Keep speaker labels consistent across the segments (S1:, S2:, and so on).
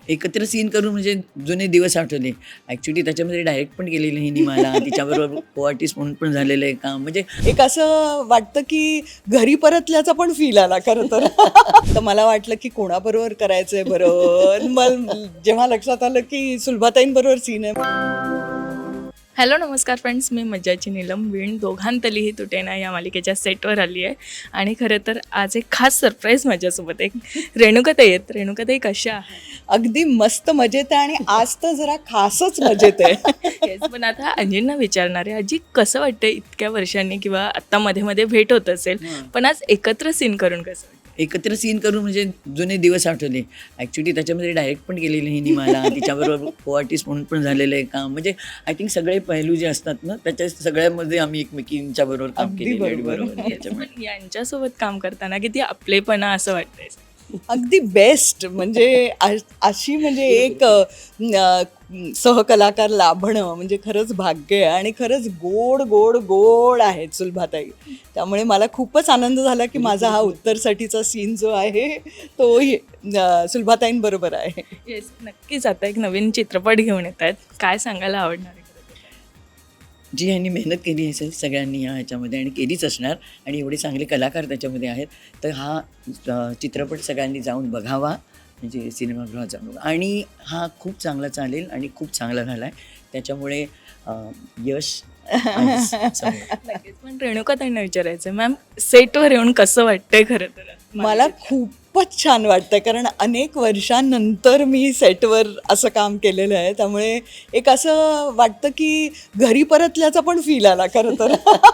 S1: एकत्र सीन करून म्हणजे जुने दिवस आठवले. ॲक्च्युली त्याच्यामध्ये डायरेक्ट पण केलेलं हिने मला. तिच्याबरोबर को-आर्टिस्ट म्हणून पण झालेलं आहे काम. म्हणजे
S2: एक असं वाटतं की घरी परतल्याचा पण फील आला खरं तर. तर मला वाटलं की कोणाबरोबर करायचंय बरं. मग जेव्हा लक्षात आलं की सुलभाताईंबरोबर सीन आहे.
S3: हॅलो नमस्कार फ्रेंड्स, मी मज्जाची नीलम वीण दोघांतलीही तुटेना या मालिकेच्या सेटवर आली आहे. आणि खरं तर आज एक खास सरप्राईज माझ्यासोबत एक रेणुकाताई आहेत. रेणुकाताई कशा आहे?
S2: अगदी मस्त मजेत आहे आणि आज तर जरा खासच मजेत आहे.
S3: Yes, पण आता अंजींना विचारणार आहे, आजी कसं वाटतं इतक्या वर्षांनी किंवा आत्ता मध्ये मध्ये भेट होत असेल, पण आज एकत्र सीन करून कसं वाटतं?
S1: एकत्र सीन करून म्हणजे जुने दिवस आठवले. ॲक्च्युली त्याच्यामध्ये डायरेक्ट पण केलेलं हिने मला. तिच्याबरोबर को-आर्टिस्ट म्हणून पण झालेलं आहे काम. म्हणजे आय थिंक सगळे पैलू जे असतात ना त्याच्या सगळ्यामध्ये आम्ही एकमेकींच्या बरोबर काम
S2: अगदी
S1: केलेलं आहे.
S2: बरोबर.
S1: बरोबर त्याच्यामुळे
S3: पण यांच्यासोबत काम करताना किती आपलेपणा असं वाटतंय.
S2: अगदी बेस्ट म्हणजे अशी म्हणजे एक सहकलाकार लाभणं म्हणजे खरंच भाग्य आहे आणि खरंच गोड गोड गोड आहेत सुलभाताई. त्यामुळे मला खूपच आनंद झाला की माझा हा उत्तरसाठीचा सीन जो आहे तो सुलभाताईंबरोबर आहे.
S3: येस, नक्कीच आता एक नवीन चित्रपट घेऊन येत आहेत. काय सांगायला आवडणार आहे?
S1: जी ह्यांनी मेहनत केली असेल सगळ्यांनी ह्याच्यामध्ये आणि केलीच असणार आणि एवढे चांगले कलाकार त्याच्यामध्ये आहेत. तर हा चित्रपट सगळ्यांनी जाऊन बघावा, म्हणजे सिनेमागृहात जाऊन बघा. आणि हा खूप चांगला चालेल आणि खूप चांगला झाला आहे. त्याच्यामुळे यश आहेच समोर.
S3: नक्कीच. पण रेणुकाताईंना विचारायचं, मॅम सेटवर येऊन कसं वाटतंय खरं तर?
S2: मला खूपच छान वाटतं कारण अनेक वर्षांनंतर मी सेटवर असं काम केलेलं आहे. त्यामुळे एक असं वाटतं की घरी परतल्याचा पण फील आला खरं तर.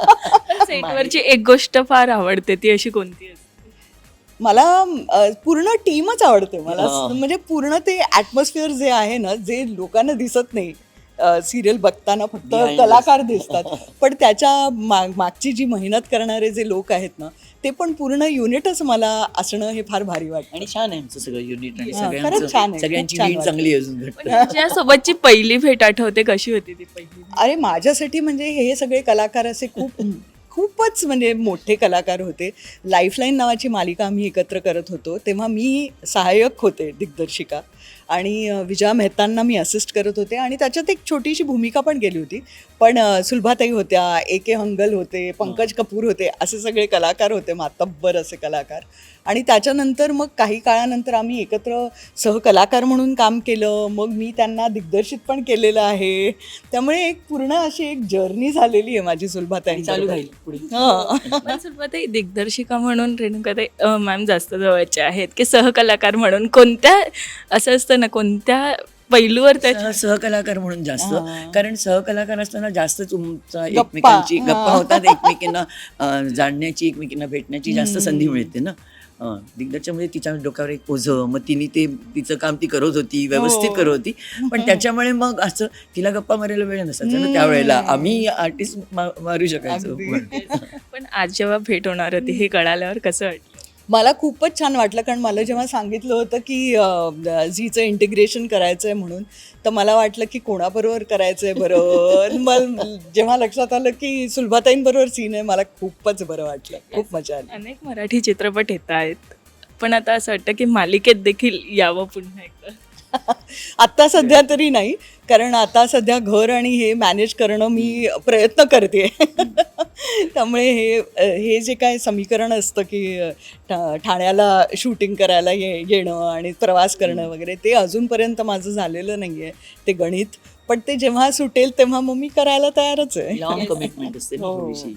S3: सेटवरची एक गोष्ट फार आवडते, ती अशी कोणती असते?
S2: मला पूर्ण टीमच आवडते मला.
S1: हा.
S2: म्हणजे पूर्ण ते ॲटमॉस्फिअर जे आहे ना, जे लोकांना दिसत नाही. सिरियल बघताना फक्त
S1: Behind
S2: कलाकार दिसतात, पण त्याच्या मागची जी मेहनत करणारे जे लोक आहेत ना, ते पण पूर्ण युनिटच मला असणं हे फार भारी वाटतं.
S1: आणि छान आहे आमचं सगळं युनिट आणि
S2: हा, खरंच छान आहे.
S1: सगळ्यांची
S2: खूप छान
S1: वीण
S2: वाटतं.
S1: चांगली अजून घडते.
S3: पण तुझ्यासोबतची पहिली भेट आठवते, कशी होती ती पहिली भेट?
S2: अरे माझ्यासाठी म्हणजे हे सगळे कलाकार असे खूपच म्हणजे मोठे कलाकार होते. लाईफलाईन नावाची मालिका आम्ही एकत्र करत होतो तेव्हा मी सहाय्यक होते दिग्दर्शिका आणि विजया मेहतांना मी असिस्ट करत होते आणि त्याच्यात एक छोटीशी भूमिका पण केली होती. पण सुलभाताई होत्या, A.K. हंगल होते, पंकज कपूर होते, असे सगळे कलाकार होते, मातब्बर असे कलाकार. आणि त्याच्यानंतर मग काही काळानंतर आम्ही एकत्र सहकलाकार म्हणून काम केलं. मग मी त्यांना दिग्दर्शित पण केलेलं आहे. त्यामुळे एक पूर्ण अशी एक जर्नी झालेली आहे माझी सुलभाताई
S1: चालू राहील पुढे.
S3: पण सुरुवाती दिग्दर्शिका म्हणून रेणुकाताई मॅम जास्त जवळच्या आहेत की सहकलाकार म्हणून? कोणत्या असं असतं ना, कोणत्या पैलूवर त्या
S1: सहकलाकार म्हणून जास्त,
S2: हां.
S1: कारण सहकलाकार असताना जास्त तुमचा
S2: गप्पा.
S1: एकमेकांची गप्पा
S2: हां.
S1: होतात, एकमेकींना जाणण्याची, एकमेकींना भेटण्याची जास्त संधी मिळते ना. दिग्दर्शनामध्ये तिच्या डोक्यावर एक ओझं, मग तिचं काम ती करत होती, व्यवस्थित
S2: हो.
S1: करत होती. पण त्याच्यामुळे मग असं तिला गप्पा मारायला वेळ नसायचा ना त्यावेळेला. आम्ही आर्टिस्ट मारू शकायचो.
S2: अगदी.
S3: पण आज जेव्हा भेट होणार होती हे कळाल्यावर कसं वाटलं?
S2: मला खूपच छान वाटलं कारण मला जेव्हा सांगितलं होतं की झीचं इंटिग्रेशन करायचं आहे म्हणून, तर मला वाटलं की कोणाबरोबर करायचं आहे बरं. मग जेव्हा लक्षात आलं की सुलभाताईंबरोबर सीन आहे, मला खूपच बरं वाटलं. खूप मजा आली.
S3: अनेक मराठी चित्रपट येत आहेत, पण आता असं वाटतं की मालिकेत देखील यावं पुन्हा एकदा.
S2: आत्ता सध्या तरी नाही, कारण आता सध्या घर आणि हे मॅनेज करणं मी प्रयत्न करते. त्यामुळे हे जे काय समीकरण असतं की ठाण्याला शूटिंग करायला येणं आणि प्रवास करणं वगैरे, ते अजूनपर्यंत माझं झालेलं नाही आहे ते गणित. पण ते जेव्हा सुटेल तेव्हा मग मी करायला तयारच आहे.
S1: लॉंग कमिटमेंट असते ना
S2: हो.
S1: थोडीशी.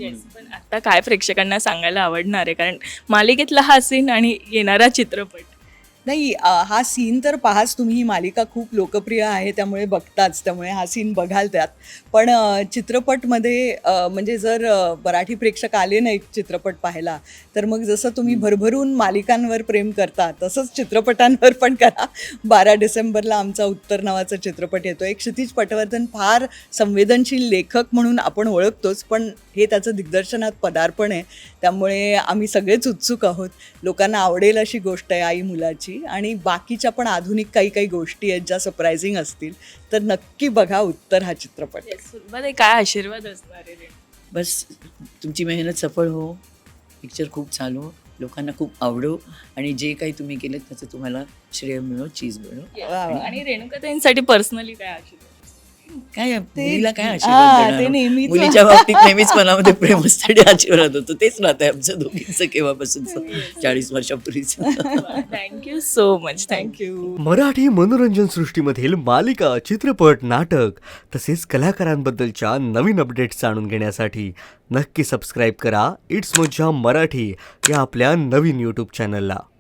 S3: पण आता काय प्रेक्षकांना सांगायला आवडणार आहे, कारण मालिकेतला हा सीन आणि येणारा चित्रपट?
S2: नाही, हा सीन तर पाहाच तुम्ही. ही मालिका खूप लोकप्रिय आहे त्यामुळे बघताच, त्यामुळे हा सीन बघाल त्यात. पण चित्रपटमध्ये म्हणजे जर मराठी प्रेक्षक आले नाही चित्रपट पाहायला, तर मग जसं तुम्ही भरभरून मालिकांवर प्रेम करता तसंच चित्रपटांवर पण करा. 12 डिसेंबरला आमचा उत्तर नावाचा चित्रपट येतो. एक क्षितिज पटवर्धन फार संवेदनशील लेखक म्हणून आपण ओळखतोच, पण हे त्याचं दिग्दर्शनात पदार्पण आहे. त्यामुळे आम्ही सगळेच उत्सुक आहोत. लोकांना आवडेल अशी गोष्ट आहे आई मुलाची. आणि बाकीच्या पण आधुनिक काही गोष्टी आहेत ज्या सरप्रायझिंग असतील, तर नक्की बघा उत्तर हा चित्रपट.
S3: सुरुवात काय आशीर्वाद असणार आहे?
S1: बस तुमची मेहनत सफळ हो, पिक्चर खूप चालू लोकांना खूप आवडो आणि जे काही तुम्ही केलं त्याचं तुम्हाला श्रेय मिळो, चीज मिळो.
S3: आणि रेणुकाताईंसाठी पर्सनली काय आशीर्वाद?
S1: काय मुलीला काय
S2: हा,
S1: आशीर्वाद
S2: ते
S1: देणार?
S2: नेहमीच.
S1: मुलीच्या बाबतीत नेहमीच मनामध्ये प्रेम असतं आणि आशीर्वाद होतो. तेच राहतं आमचं दोघींचं केव्हापासूनचं 40 वर्षापूर्वीचं.
S3: Thank you so much.
S2: Thank you.
S4: Marathi मनोरंजन सृष्टीमधील मालिका, चित्रपट, नाटक तसेच कलाकारांबद्दलच्या नवीन अपडेट्स जाणून घेण्यासाठी नक्की सबस्क्राईब करा इट्स मज्जा मराठी या आपल्या नवीन यूट्यूब चॅनलला.